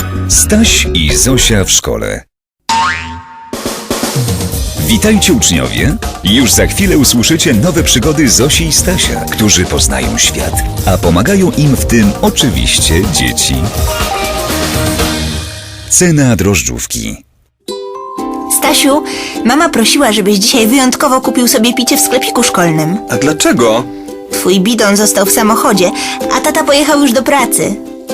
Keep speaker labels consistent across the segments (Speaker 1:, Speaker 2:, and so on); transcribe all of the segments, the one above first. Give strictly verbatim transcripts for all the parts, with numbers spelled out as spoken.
Speaker 1: Staś i Zosia w szkole. Witajcie uczniowie! Już za chwilę usłyszycie nowe przygody Zosi i Stasia, którzy poznają świat, a pomagają im w tym oczywiście dzieci. Cena drożdżówki.
Speaker 2: Stasiu, mama prosiła, żebyś dzisiaj wyjątkowo kupił sobie picie w sklepiku szkolnym.
Speaker 3: A dlaczego?
Speaker 2: Twój bidon został w samochodzie, a tata pojechał już do pracy.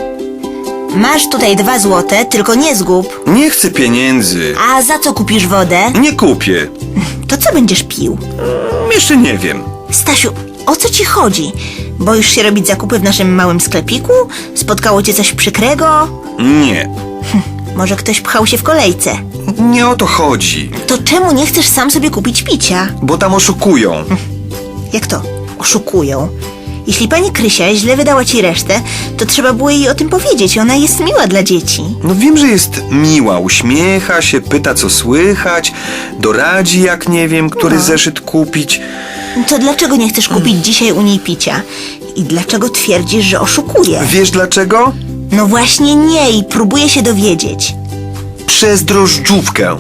Speaker 2: Masz tutaj dwa złote, tylko nie zgub.
Speaker 3: Nie chcę pieniędzy.
Speaker 2: A za co kupisz wodę?
Speaker 3: Nie kupię.
Speaker 2: To co będziesz pił?
Speaker 3: Jeszcze nie wiem.
Speaker 2: Stasiu, o co ci chodzi? Boisz się robić zakupy w naszym małym sklepiku? Spotkało cię coś przykrego?
Speaker 3: Nie.
Speaker 2: Może ktoś pchał się w kolejce?
Speaker 3: Nie o to chodzi.
Speaker 2: To czemu nie chcesz sam sobie kupić picia?
Speaker 3: Bo tam oszukują.
Speaker 2: Jak to? Oszukują. Jeśli pani Krysia źle wydała ci resztę, to trzeba było jej o tym powiedzieć. Ona jest miła dla dzieci.
Speaker 3: No wiem, że jest miła. Uśmiecha się, pyta co słychać, doradzi jak nie wiem, który
Speaker 2: No.
Speaker 3: zeszyt kupić.
Speaker 2: To dlaczego nie chcesz kupić dzisiaj u niej picia? I dlaczego twierdzisz, że oszukuje?
Speaker 3: Wiesz dlaczego?
Speaker 2: No właśnie nie i próbuję się dowiedzieć.
Speaker 3: Przez drożdżówkę.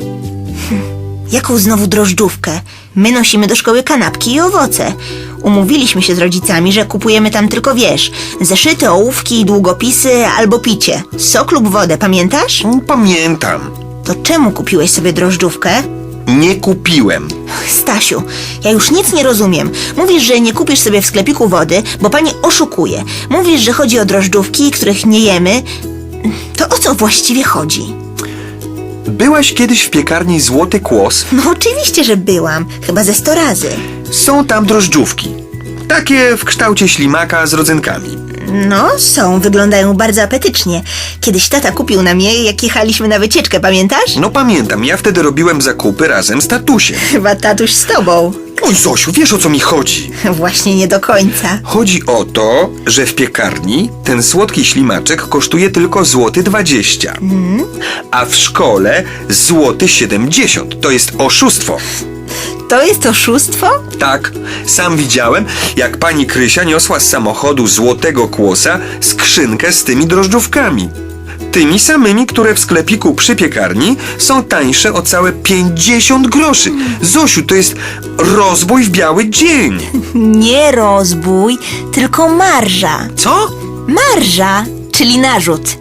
Speaker 2: Jaką znowu drożdżówkę? My nosimy do szkoły kanapki i owoce. Umówiliśmy się z rodzicami, że kupujemy tam tylko, wiesz, zeszyty, ołówki, długopisy albo picie. Sok lub wodę, pamiętasz?
Speaker 3: Pamiętam.
Speaker 2: To czemu kupiłeś sobie drożdżówkę?
Speaker 3: Nie kupiłem.
Speaker 2: Stasiu, ja już nic nie rozumiem. Mówisz, że nie kupisz sobie w sklepiku wody, bo pani oszukuje. Mówisz, że chodzi o drożdżówki, których nie jemy. To o co właściwie chodzi?
Speaker 3: Byłaś kiedyś w piekarni Złoty Kłos?
Speaker 2: No oczywiście, że byłam. Chyba ze sto razy.
Speaker 3: Są tam drożdżówki. Takie w kształcie ślimaka z rodzynkami.
Speaker 2: No, są. Wyglądają bardzo apetycznie. Kiedyś tata kupił nam je, jak jechaliśmy na wycieczkę, pamiętasz?
Speaker 3: No pamiętam, ja wtedy robiłem zakupy razem z tatusiem.
Speaker 2: Chyba tatuś z tobą.
Speaker 3: Oj Zosiu, wiesz o co mi chodzi?
Speaker 2: Właśnie nie do końca.
Speaker 3: Chodzi o to, że w piekarni ten słodki ślimaczek kosztuje tylko złoty dwadzieścia, mm. a w szkole złoty siedemdziesiąt. To jest oszustwo.
Speaker 2: To jest oszustwo?
Speaker 3: Tak, sam widziałem, jak pani Krysia niosła z samochodu Złotego Kłosa skrzynkę z tymi drożdżówkami. Tymi samymi, które w sklepiku przy piekarni są tańsze o całe pięćdziesiąt groszy. Zosiu, to jest rozbój w biały dzień.
Speaker 2: Nie rozbój, tylko marża.
Speaker 3: Co?
Speaker 2: Marża, czyli narzut.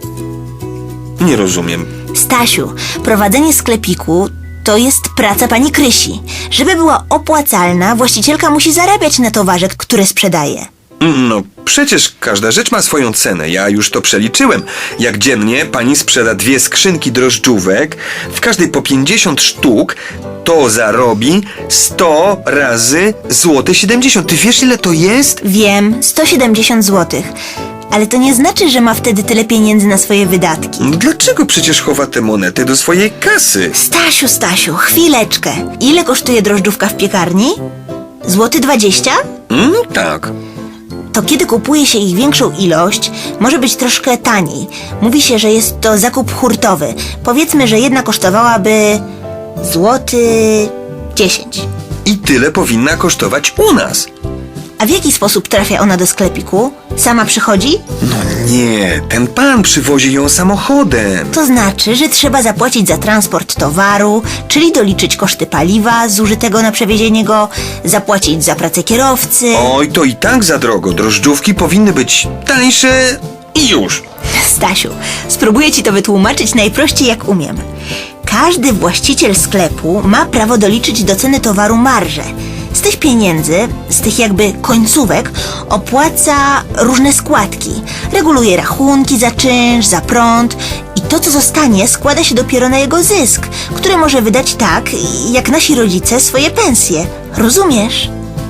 Speaker 3: Nie rozumiem.
Speaker 2: Stasiu, prowadzenie sklepiku to jest praca pani Krysi. Żeby była opłacalna, właścicielka musi zarabiać na towarze, które sprzedaje.
Speaker 3: No, przecież każda rzecz ma swoją cenę. Ja już to przeliczyłem. Jak dziennie pani sprzeda dwie skrzynki drożdżówek, w każdej po pięćdziesiąt sztuk, to zarobi sto razy złoty siedemdziesiąt. Ty wiesz, ile to jest?
Speaker 2: Wiem, sto siedemdziesiąt złotych. Ale to nie znaczy, że ma wtedy tyle pieniędzy na swoje wydatki.
Speaker 3: No dlaczego przecież chowa te monety do swojej kasy?
Speaker 2: Stasiu, Stasiu, chwileczkę. Ile kosztuje drożdżówka w piekarni? Złoty dwadzieścia?
Speaker 3: No tak.
Speaker 2: To kiedy kupuje się ich większą ilość, może być troszkę taniej. Mówi się, że jest to zakup hurtowy. Powiedzmy, że jedna kosztowałaby złoty dziesięć.
Speaker 3: I tyle powinna kosztować u nas.
Speaker 2: A w jaki sposób trafia ona do sklepiku? Sama przychodzi?
Speaker 3: No nie, ten pan przywozi ją samochodem.
Speaker 2: To znaczy, że trzeba zapłacić za transport towaru, czyli doliczyć koszty paliwa zużytego na przewiezienie go, zapłacić za pracę kierowcy.
Speaker 3: Oj, to i tak za drogo. Drożdżówki powinny być tańsze i już.
Speaker 2: Stasiu, spróbuję ci to wytłumaczyć najprościej jak umiem. Każdy właściciel sklepu ma prawo doliczyć do ceny towaru marżę. Z tych pieniędzy, z tych jakby końcówek, opłaca różne składki. Reguluje rachunki za czynsz, za prąd i to, co zostanie, składa się dopiero na jego zysk, który może wydać tak, jak nasi rodzice swoje pensje. Rozumiesz?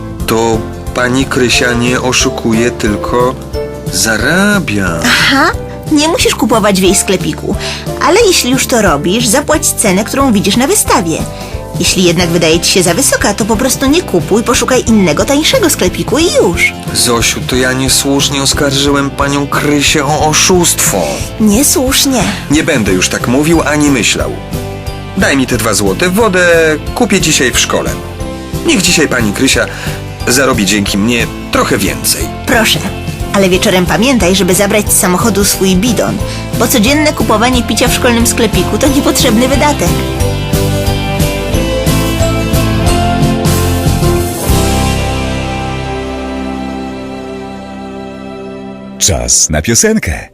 Speaker 3: To pani Krysia nie oszukuje, tylko zarabia.
Speaker 2: Aha, nie musisz kupować w jej sklepiku, ale jeśli już to robisz, zapłać cenę, którą widzisz na wystawie. Jeśli jednak wydaje ci się za wysoka, to po prostu nie kupuj, poszukaj innego, tańszego sklepiku i już.
Speaker 3: Zosiu, to ja niesłusznie oskarżyłem panią Krysię o oszustwo.
Speaker 2: Niesłusznie.
Speaker 3: Nie będę już tak mówił ani myślał. Daj mi te dwa złote, wodę kupię dzisiaj w szkole. Niech dzisiaj pani Krysia zarobi dzięki mnie trochę więcej.
Speaker 2: Proszę, ale wieczorem pamiętaj, żeby zabrać z samochodu swój bidon. bo codzienne kupowanie picia w szkolnym sklepiku to niepotrzebny wydatek.
Speaker 1: Czas na piosenkę.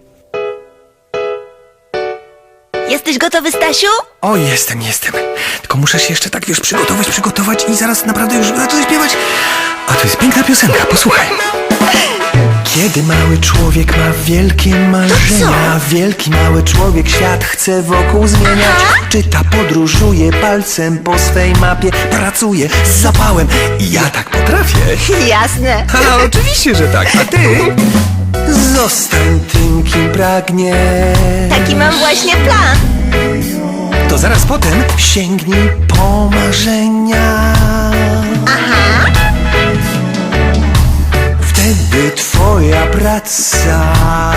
Speaker 2: Jesteś gotowy, Stasiu?
Speaker 3: O, jestem, jestem. Tylko muszę się jeszcze tak, wiesz, przygotować, przygotować i zaraz naprawdę już zacznę śpiewać. A to jest piękna piosenka, posłuchaj. Kiedy mały człowiek ma wielkie marzenia, wielki mały człowiek świat chce wokół zmieniać. Czyta, podróżuje palcem po swej mapie, pracuje z zapałem i ja tak potrafię.
Speaker 2: Jasne.
Speaker 3: A oczywiście, że tak, a ty? Zostań tym, kim pragniesz.
Speaker 2: Taki mam właśnie plan.
Speaker 3: To zaraz potem sięgnij po marzenia.
Speaker 2: Aha.
Speaker 3: Wtedy twoja praca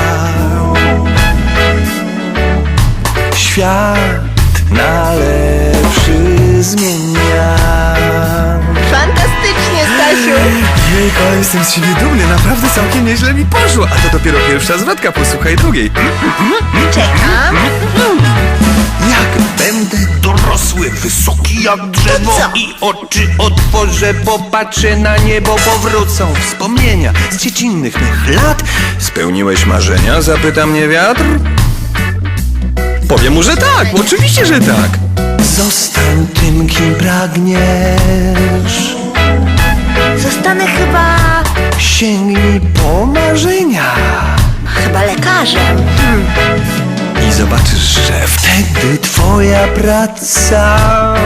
Speaker 3: świat na lepszy zmienia.
Speaker 2: Fantastycznie, Stasiu.
Speaker 3: Jejku, ale jestem z siebie dumny, naprawdę całkiem nieźle mi poszło. A to dopiero pierwsza zwrotka, posłuchaj drugiej.
Speaker 2: Czekam.
Speaker 4: Jak będę dorosły, wysoki jak drzewo
Speaker 2: To co?
Speaker 4: i oczy otworzę, popatrzę na niebo, powrócą wspomnienia z dziecinnych mych lat.
Speaker 3: Spełniłeś marzenia? Zapyta mnie wiatr. Powiem mu, że tak, oczywiście, że tak.
Speaker 4: Zostań tym, kim pragniesz.
Speaker 2: Zostanę chyba...
Speaker 4: Sięgnij po marzenia
Speaker 2: chyba lekarzem.
Speaker 4: i zobaczysz, że wtedy twoja praca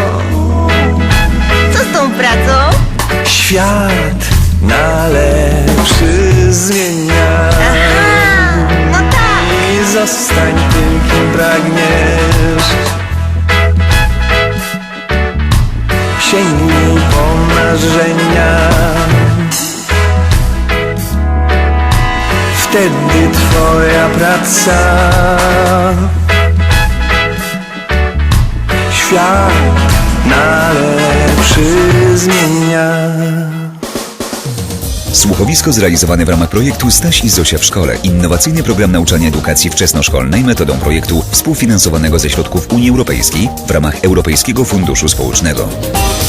Speaker 2: Co z tą pracą?
Speaker 4: świat na lepszy zmienia.
Speaker 2: Aha, no tak.
Speaker 4: I zostań tym, kim pragniesz. Sięgnij po marzenia. Wtedy twoja praca świat na lepszy zmienia.
Speaker 1: Słuchowisko zrealizowane w ramach projektu Staś i Zosia w szkole. Innowacyjny program nauczania edukacji wczesnoszkolnej metodą projektu współfinansowanego ze środków Unii Europejskiej w ramach Europejskiego Funduszu Społecznego.